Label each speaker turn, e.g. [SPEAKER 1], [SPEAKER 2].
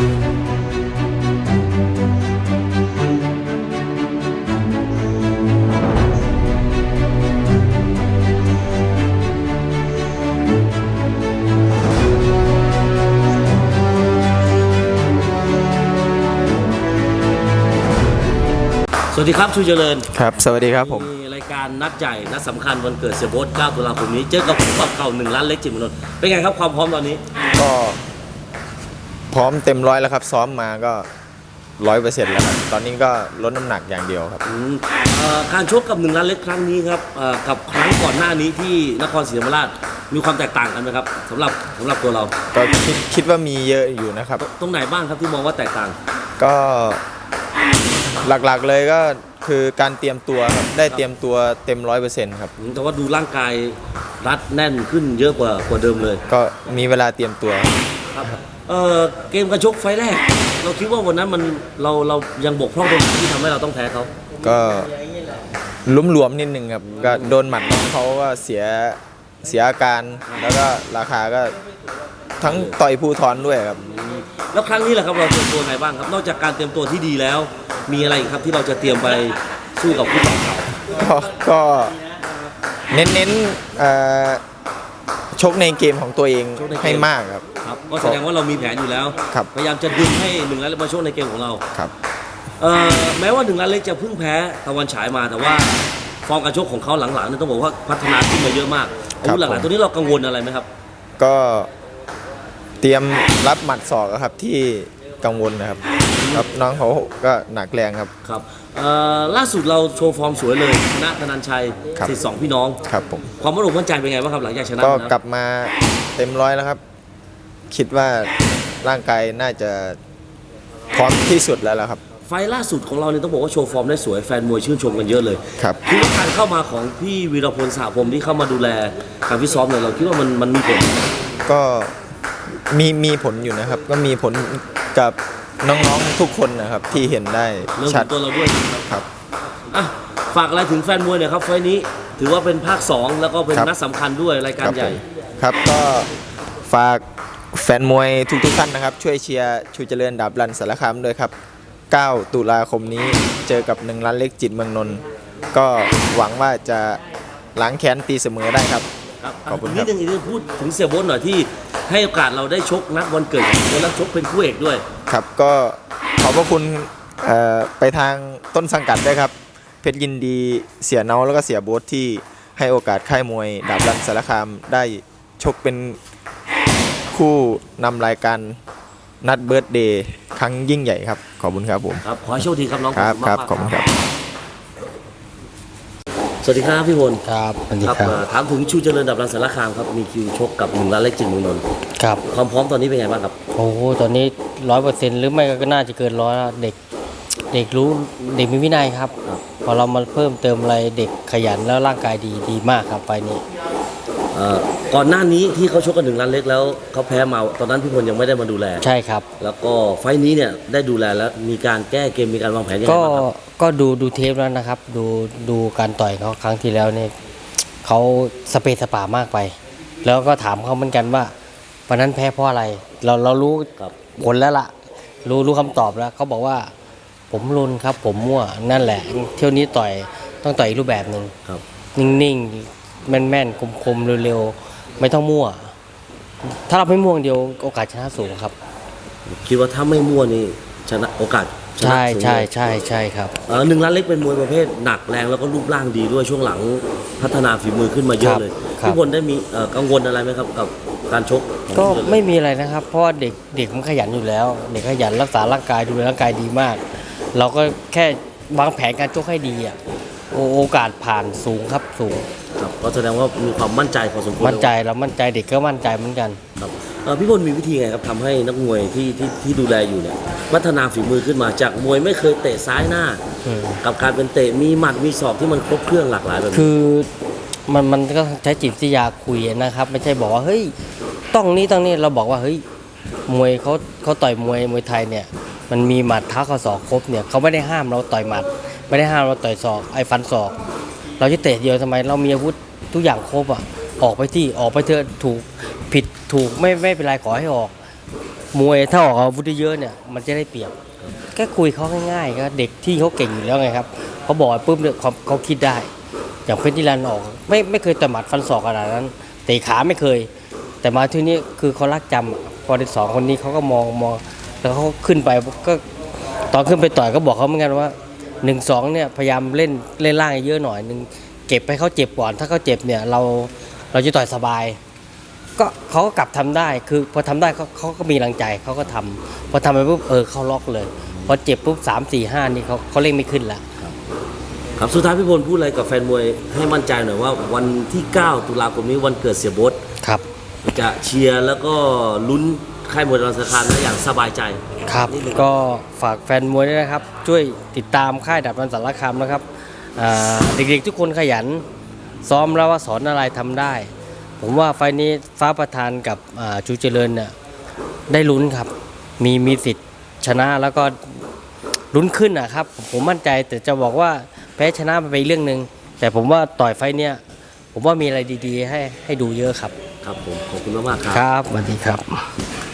[SPEAKER 1] สวัสดีครับชูเจริญ
[SPEAKER 2] ครับสวัสดีครับผม
[SPEAKER 1] รายการนัดใหญ่นัดสำคัญวันเกิดเสียโบ๊ท9 ตุลาคมนี้เจอกับคู่ปรับเก่า1 ล้านเล็กจิตรมนนท์เป็นไงครับความพร้อมตอนนี้
[SPEAKER 2] ก็พร้อมเต็มร้อยแล้วครับซ้อมมาก็100%แล้วครับตอนนี้ก็ลดน้ำหนักอย่างเดียวครับ
[SPEAKER 1] การชกกับ1 ล้านเล็กครั้งนี้ครับกับครั้งก่อนหน้านี้ที่นครศรีธรรมราชมีความแตกต่างกันไหมครับสำหรับตัวเรา
[SPEAKER 2] ก็คิดว่ามีเยอะอยู่นะครับ
[SPEAKER 1] ตรงไหนบ้างครับที่มองว่าแตกต่าง
[SPEAKER 2] ก็หลักๆเลยก็คือการเตรียมตัวครับได้เตรียมตัวเต็ม100%ครับ
[SPEAKER 1] แต่ว่าดูร่างกายรัดแน่นขึ้นเยอะกว่าเดิมเลย
[SPEAKER 2] ก็มีเวลาเตรียมตัว
[SPEAKER 1] ครับเกมกระชกไฟแรกเราคิดว่าวันนั้นเรายังบกพร่องตรงไหนที่ทำให้เราต้องแพ้เขา
[SPEAKER 2] ก็ลุ้มหลวมนิดนึงครับก็โดนหมัดของเขาก็เสียอาการแล้วก็ราคาก็ทั้งต่อยภูทรด้วยครับ
[SPEAKER 1] แล้วครั้งนี้แหละครับเราเตรียมตัวไงบ้างครับนอกจากการเตรียมตัวที่ดีแล้วมีอะไรอีกครับที่เราจะเตรียมไปสู้กับคู่ต่อเก่า
[SPEAKER 2] ก็เน้นชกในเกมของตัวเองให้มากครับ
[SPEAKER 1] ก็แสดงว่าเรามีแผนอยู่แล้วพยายามจะดึงให้1 ล้านเล็กมาชกในเกมของเรา
[SPEAKER 2] ครับ
[SPEAKER 1] แม้ว่า1 ล้านเล็กจะเพิ่งแพ้ตะวันฉายมาแต่ว่าฟอร์มการชกของเขาหลังๆนี่ต้องบอกว่าพัฒนาขึ้นมาเยอะมากอาวุธหลักๆตัวนี้เรากังวลอะไรไหมครับ
[SPEAKER 2] ก็เตรียมรับหมัดศอกครับที่กังวลนะครับครับน้องเขาก็หนักแรงครับ
[SPEAKER 1] ครับล่าสุดเราโชว์ฟอร์มสวยเลยชนะธนันชัยสิทธิ์2 พี่น้อง
[SPEAKER 2] ครับผม
[SPEAKER 1] ความมั่นใจเป็นไงบ้างครับหลังจากชนะ
[SPEAKER 2] ก็กลับมาเต็มร้อยแล้วครับคิดว่าร่างกายน่าจะพร้อมที่สุดแล้วครับ
[SPEAKER 1] ไฟล่าสุดของเราเนี่ยต้องบอกว่าโชว์ฟอร์มได้สวยแฟนมวยชื่นชมกันเยอะเลย
[SPEAKER 2] ครับ
[SPEAKER 1] คิดว่าการเข้ามาของพี่วีรพลสหพรหมที่เข้ามาดูแลการฟิตซ้อมเนี่ยเราคิดว่ามันมีผล
[SPEAKER 2] ก็มีผลอยู่นะครับก็มีผลกับน้องๆทุกคนนะครับที่เห็นได้
[SPEAKER 1] ชัดตัวเราด้วย
[SPEAKER 2] ครับ
[SPEAKER 1] ฝากอะไรถึงแฟนมวยเนี่ยครับไฟนี้ถือว่าเป็นภาค2แล้วก็เป็นนัดสำคัญด้วยรายการใหญ่
[SPEAKER 2] ครับก็ฝากแฟนมวยทุกท่านนะครับช่วยเชียร์ชูเจริญดาบรันสารคามด้วยครับ9 ตุลาคมนี้เจอกับ1 ล้านเล็กจิตรเมืองนนท์ก็หวังว่าจะล้างแค้นตีเสมอได้ครับ
[SPEAKER 1] ขอบคุณครับนิดนึงพูดถึงเสียโบ๊ทหน่อยที่ให้โอกาสเราได้ชกนัดวันเกิดแล้วชกเป็นคู่เอกด้วย
[SPEAKER 2] ครับก็ขอบพระคุณไปทางต้นสังกัดด้วยครับเพชรยินดีเสียเนาแล้วก็เสียโบ๊ทที่ให้โอกาสค่ายมวยดาบรันสารคามได้ชกเป็นคู่นำรายการนัดเบิร์ธเดย์ครั้งยิ่งใหญ่ครับขอบคุณครับผม
[SPEAKER 1] ครับขอให้โชคดีครับน้อง
[SPEAKER 2] ครับขอบคุณครับ
[SPEAKER 1] สวัสดีครับพี่พล
[SPEAKER 2] ครับสวัสดีครับ
[SPEAKER 1] ถามถึงชูเจริญดาบรันสารคามครับมีคิวชกกับ1 ล้านเล็กจิตรเมืองนนท์
[SPEAKER 3] ครับ
[SPEAKER 1] ความพร้อมตอนนี้เป็นไงบ้างครับ
[SPEAKER 3] โอ้โหตอนนี้100%หรือไม่ก็น่าจะเกิน100แล้วเด็กรู้เด็กมีวินัยครับพอเรามาเพิ่มเติมอะไรเด็กขยันแล้วร่างกายดีมากครับไฟนี้
[SPEAKER 1] ก่อนหน้านี้ที่เขาชกกัน1 ล้านเล็กแล้วเขาแพ้มาตอนนั้นพี่พลยังไม่ได้มาดูแล
[SPEAKER 3] ใช่ครับ
[SPEAKER 1] แล้วก็ไฟนี้เนี่ยได้ดูแลแล้วมีการแก้เกมมีการวางแผนยังไงบ้างครับ
[SPEAKER 3] ก็ดูเทปแล้วนะครับดูการต่อยเขาครั้งที่แล้วเนี่ยเขาสเปซสปามากไปแล้วก็ถามเขาเหมือนกันว่าวันนั้นแพ้เพราะอะไรเรารู้ผลแล้วล่ะรู้คำตอบแล้วเขาบอกว่าผมรุนครับผมมั่วนั่นแหละเที่ยวนี้ต้องต่อยอีกรูปแบบหนึ่งนิ่งๆแม่นๆคมๆเร็วๆไม่ต้องมั่วถ้าเราไม่มั่วเดียวโอกาสชนะสูงครับ
[SPEAKER 1] คิดว่าถ้าไม่มั่วนี่ชนะโอกาส
[SPEAKER 3] ใช่ครับ
[SPEAKER 1] 1 ล้านเล็กเป็นมวยประเภทหนักแรงแล้วก็รูปร่างดีด้วยช่วงหลังพัฒนาฝีมือขึ้นมาเยอะเลยพี่พลได้มีกังวลอะไรไหมครับกับการชก
[SPEAKER 3] ก็ไม่มีอะไรนะครับเพราะว่าเด็กมันขยันอยู่แล้วเด็กขยันรักษาร่างกายดูแลร่างกายดีมากเราก็แค่วางแผนการชกให้ดีโอกาสผ่านสูงครับสูง
[SPEAKER 1] ครับก็แสดงว่ามีความมั่นใจพอสมควร
[SPEAKER 3] มั่นใจเรามั่นใจเด็กก็มั่นใจเหมือนกัน
[SPEAKER 1] ครับพี่พลมีวิธีไงครับทำให้นักมวยที่ดูแลอยู่เนี่ยพัฒนาฝีมือขึ้นมาจากมวยไม่เคยเตะซ้ายหน้ากับการเป็นเตะมีหมัดมีศอกที่มันครบเครื่องหลากหลายแบบนี้
[SPEAKER 3] คือมันก็ใช้จิตวิทยาคุยนะครับไม่ใช่บอกว่าเฮ้ยต้องนี้เราบอกว่าเฮ้ยมวยเขาต่อยมวยไทยเนี่ยมันมีหมัดเท้ากับศอกครบเนี่ยเขาไม่ได้ห้ามเราต่อยหมัดไม่ได้ห้ามเราต่อยศอกฟันศอกเราจะเตะเดียวทำไมเรามีอาวุธทุกอย่างครบออกไปเถอะถูกผิดถูกไม่เป็นไรขอให้ออกมวยถ้าออกอาวุธเยอะเนี่ยมันจะได้เปรียบแค่คุยเขาง่ายๆก็เด็กที่เขาเก่งอยู่แล้วไงครับเขาบอกปุ๊บเนี่ยเขาคิดได้อย่างเพชรนิรันดร์ออกไม่เคยต่อยหมัดฟันศอกขนาดนั้นเตะขาไม่เคย แต่มาที่นี้คือเขารักจำอะพอเด็กสองคนนี้เขาก็มองแล้วเขาขึ้นไปก็ตอนขึ้นไปต่อยก็บอกเขาเหมือนกันว่า1-2เนี่ยพยายามเล่นล่างเยอะหน่อยนึงเก็บให้เขาเจ็บก่อนถ้าเขาเจ็บเนี่ยเราจะต่อยสบายก็เขาก็กลับทำได้คือพอทำได้เขาก็มีแรงใจเขาก็ทำพอทำไปปุ๊บเขาล็อกเลยพอเจ็บปุ๊บ3-4-5นี่เขาเล่นไม่ขึ้นละ
[SPEAKER 1] ครับสุดท้ายพี่พลพูดอะไรกับแฟนมวยให้มั่นใจหน่อยว่าวันที่9 ตุลาคมนี้วันเกิดเสียโบ๊ท
[SPEAKER 3] ครับ
[SPEAKER 1] จะเชียร์แล้วก็ลุ้นค่ายมวยดับรังสารคามได้อย่างสบายใจ
[SPEAKER 3] ครับก็ฝากแฟนมวยด้วยนะครับช่วยติดตามค่ายดับรันสารคามนะครับเด็กๆทุกคนขยันซ้อมแล้วว่าสอนอะไรทำได้ ผมว่าไฟล์นี้ฟ้าประธานกับชูเจริญเนี่ยได้ลุ้นครับมีสิทธิ์ชนะแล้วก็ลุ้นขึ้นนะครับผมมั่นใจแต่จะบอกว่าแพ้ชนะไปเรื่องหนึ่งแต่ผมว่าต่อยไฟล์เนี้ยผมว่ามีอะไรดีๆให้ดูเยอะครับ
[SPEAKER 1] ครับผมขอบคุณมากๆครับ
[SPEAKER 3] ครับสวัสดีครับ